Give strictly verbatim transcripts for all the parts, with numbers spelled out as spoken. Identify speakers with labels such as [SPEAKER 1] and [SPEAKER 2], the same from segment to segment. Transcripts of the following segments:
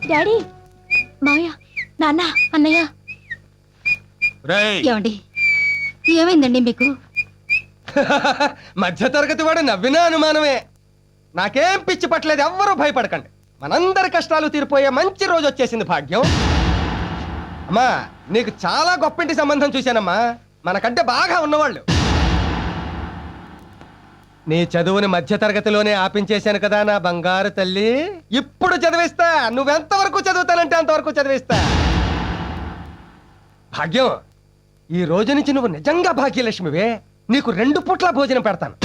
[SPEAKER 1] Daddy, మావయ్య, నాన్న, అన్నయ్య.
[SPEAKER 2] ఏమండి,
[SPEAKER 1] ఏమైందండి మీకు?
[SPEAKER 3] మధ్య తరగతి వాడు నవ్వినా అనుమానమే. నాకేం పిచ్చి పట్టలేదు, ఎవ్వరూ భయపడకండి. మనందరి కష్టాలు తీరిపోయే మంచి రోజు వచ్చేసింది భాగ్యం. అమ్మా, నీకు చాలా గొప్పింటి సంబంధం చూశానమ్మా, మనకంటే బాగా ఉన్నవాళ్ళు. నీ చదువుని మధ్య తరగతిలోనే ఆపించేశాను కదా నా బంగారు తల్లి. ఇప్పుడు చదివిస్తా, నువ్వెంతవరకు చదువుతానంటే అంతవరకు చదివిస్తా. భాగ్యం, ఈ రోజు నుంచి నువ్వు నిజంగా భాగ్యలక్ష్మివే. నీకు రెండు పూట్ల భోజనం పెడతాను.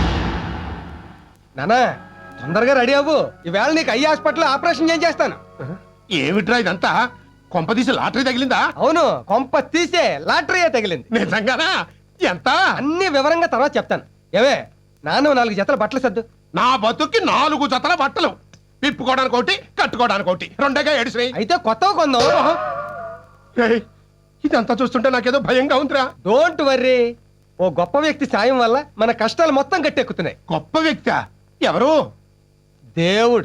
[SPEAKER 3] నానా, తొందరగా రెడీ అవ్వు. ఈవేళ నీకు ఐ హాస్పిటల్ ఆపరేషన్ ఏం చేస్తాను.
[SPEAKER 2] ఏమిట్రా ఇదంతా? కొంప తీసి లాటరీ తగిలిందా?
[SPEAKER 3] అవును, కొంప తీసే లాటరీయే తగిలింది.
[SPEAKER 2] నిజంగానా? ఎంత?
[SPEAKER 3] అన్ని వివరంగా తర్వాత చెప్తాను. ఏవే, నాన్న నాలుగు జతల బట్టలు సర్దు.
[SPEAKER 2] నా బతుక్కి నాలుగు జతల బట్టలు, విప్పుకోవడానికి ఒకటి, కట్టుకోవడానికి ఒకటి, రెండేగా ఏడిసినాయి.
[SPEAKER 3] అయితే కొత్తగా కొందాం.
[SPEAKER 2] ఏయ్, ఇదంతా చూస్తుంటే నాకేదో భయంగా ఉందిరా.
[SPEAKER 3] డోంట్ వర్రీ, ఓ గొప్ప వ్యక్తి సాయం వల్ల మన కష్టాలు మొత్తం గట్టెక్కుతున్నాయి.
[SPEAKER 2] గొప్ప వ్యక్తి ఎవరు?
[SPEAKER 3] దేవుడు.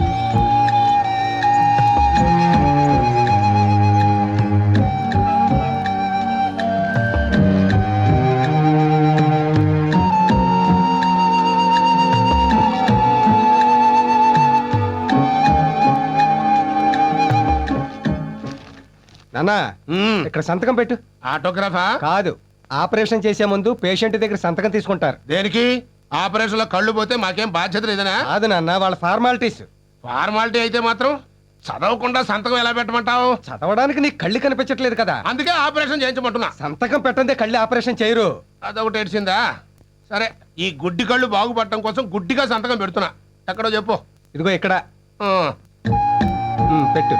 [SPEAKER 3] నానా,
[SPEAKER 2] మ్మ్.
[SPEAKER 3] ఇక్కడ సంతకం పెట్టు.
[SPEAKER 2] ఆటోగ్రాఫా?
[SPEAKER 3] కాదు, ఆపరేషన్ చేసే ముందు పేషెంట్ దగ్గర సంతకం తీసుకుంటారు.
[SPEAKER 2] దేనికి? ఆపరేషన్ లో కళ్ళు పోతే మాకేం బాధ్యత లేదనా?
[SPEAKER 3] కాదు నాన్న, వాళ్ళ ఫార్మాలిటీస్.
[SPEAKER 2] ఫార్మాలిటీ అయితే మాత్రం చదవకుండా సంతకం ఎలా పెట్టమంటావు?
[SPEAKER 3] చదవడానికి నీకు కళ్ళు కనిపించట్లేదు కదా,
[SPEAKER 2] అందుకే ఆపరేషన్ చేయించమంటున్నా.
[SPEAKER 3] సంతకం పెట్టందే కళ్ళు ఆపరేషన్ చేయరు.
[SPEAKER 2] అదొకటి ఏడ్చిందా? సరే, ఈ గుడ్డి కళ్ళు బాగుపడటం కోసం గుడ్డిగా సంతకం పెడుతున్నా. ఎక్కడో చెప్పు.
[SPEAKER 3] ఇదిగో ఇక్కడ.
[SPEAKER 2] ఆ,
[SPEAKER 3] ఉమ్, పెట్టు.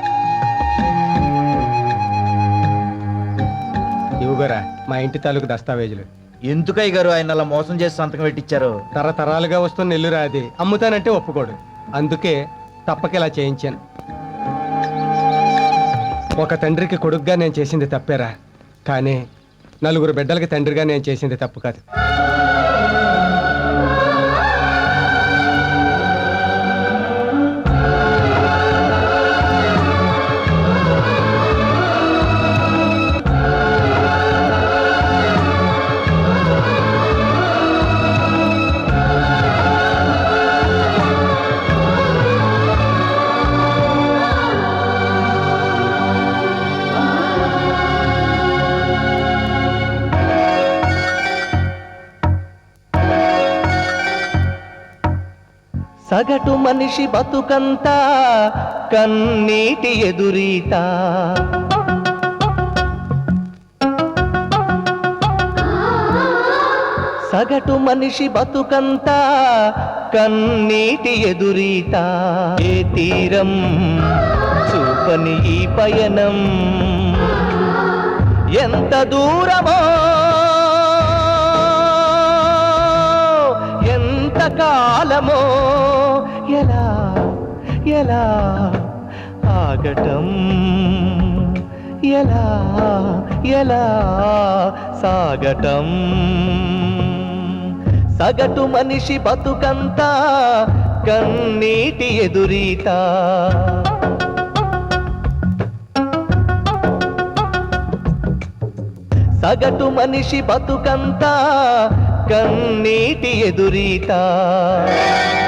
[SPEAKER 3] ఇవ్వగోరా మా ఇంటి తాలూకు దస్తావేజులు.
[SPEAKER 4] ఎందుకయ్య గారు ఆయన అలా మోసం చేసి సంతకం పెట్టించారు?
[SPEAKER 3] తరతరాలుగా వస్తున్న ఇల్లురా అది. అమ్ముతానంటే ఒప్పుకోడు, అందుకే తప్పక ఇలా చేయించాను. ఒక తండ్రికి కొడుకుగా నేను చేసింది తప్పేరా, కానీ నలుగురు బిడ్డలకి తండ్రిగా నేను చేసింది తప్పు కాదు.
[SPEAKER 5] సగటు మనిషి బతుకంతా కన్నీటి ఎదురీత, సగటు మనిషి బతుకంతా కన్నీటి ఎదురీత. ఏ తీరం చూపని ఈ పయనం ఎంత దూరమో, ఎంత కాలమో, ఎలా ఎలా ఆగటం, ఎలా ఎలా సాగటం. సగటు మనిషి బతుకంతా కన్నీటి ఎదురీత. సగటు మనిషి బతుకంతా కన్నీటి ఎదురీత.